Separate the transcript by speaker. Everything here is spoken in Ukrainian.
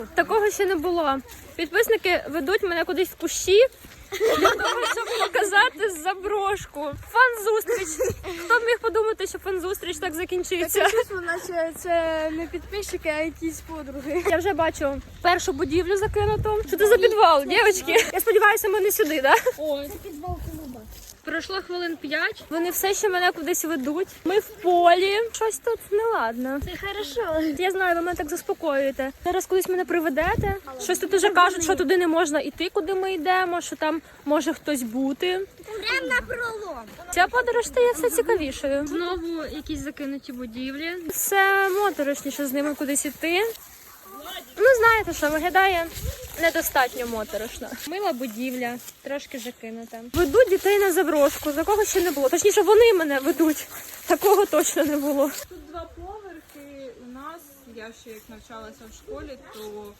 Speaker 1: Такого ще не було. Підписники ведуть мене кудись в кущі для того, щоб показати заброшку. Фан-зустріч. Хто б міг подумати, що фан-зустріч так закінчиться?
Speaker 2: Наче це не підписчики, а якісь подруги.
Speaker 1: Я вже бачу першу будівлю закинуту. Що це за підвал, дівчатки? Я сподіваюся, ми не сюди, так?
Speaker 2: Ой, це підвал клуба.
Speaker 1: Пройшло хвилин 5. Вони все ще мене кудись ведуть. Ми в полі. Щось тут неладно.
Speaker 2: Це хорошо.
Speaker 1: Я знаю, ви мене так заспокоюєте. Зараз кудись мене приведете. Щось тут уже кажуть, що туди не можна йти, куди ми йдемо, що там може хтось бути.
Speaker 2: Прямо на пролом.
Speaker 1: Ця подорож стає все цікавішою. Знову якісь закинуті будівлі. Все моторошніше з ними кудись іти. Ну, знаєте, що виглядає недостатньо моторошно. Мила будівля, трошки закинута. Ведуть дітей на заброшку, такого ще не було. Точніше, вони мене ведуть. Такого точно не було.
Speaker 3: Тут 2 поверхи. У нас, я ще як навчалася в школі, то